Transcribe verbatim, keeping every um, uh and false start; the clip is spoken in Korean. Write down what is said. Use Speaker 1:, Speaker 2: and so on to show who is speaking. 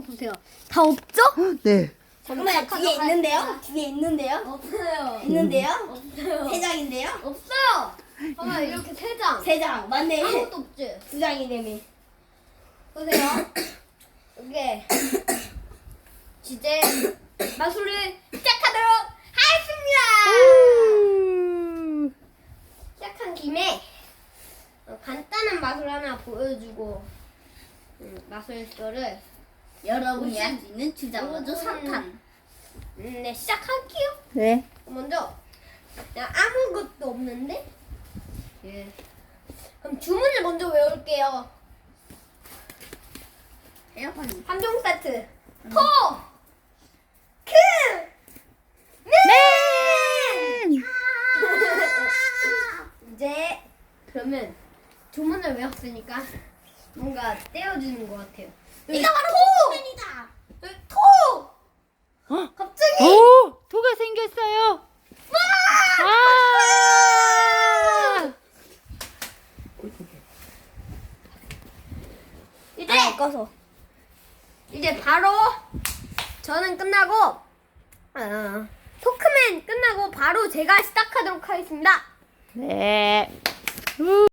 Speaker 1: 보세요. 다 없죠?
Speaker 2: 네.
Speaker 3: 잠깐만 뒤에 있는데요? 뒤에 있는데요?
Speaker 1: 없어요.
Speaker 3: 있는데요?
Speaker 1: 없어요.
Speaker 3: 세 장인데요?
Speaker 1: 없어요. 봐봐 이렇게 세 장.
Speaker 3: 세 장. 맞네.
Speaker 1: 아무것도 없지.
Speaker 3: 두 장이네미.
Speaker 1: 보세요. 이게 이제 마술을 시작하도록 하겠습니다. 시작한 김에 어, 간단한 마술 하나 보여주고 음, 마술쇼를
Speaker 3: 여러분이 할 수 있는 주자마자
Speaker 1: 음.
Speaker 3: 삼 탄.
Speaker 1: 음, 네 시작할게요.
Speaker 2: 네.
Speaker 1: 먼저 그냥 아무것도 없는데 예. 그럼 주문을 먼저 외울게요.
Speaker 3: 에어컨.
Speaker 1: 삼 종 세트 토! 크! 맨! 이제 그러면 주문을 외웠으니까 뭔가 떼어주는 것 같아요.
Speaker 3: 이거 바로
Speaker 1: 토!
Speaker 3: 포켓몬이다.
Speaker 1: 여기 토!
Speaker 2: 어?
Speaker 1: 갑자기
Speaker 2: 오, 토가 생겼어요. 아!
Speaker 1: 이제
Speaker 3: 아, 꺼서.
Speaker 1: 이제 바로 저는 끝나고 어, 토크맨 끝나고 바로 제가 시작하도록 하겠습니다.
Speaker 2: 네.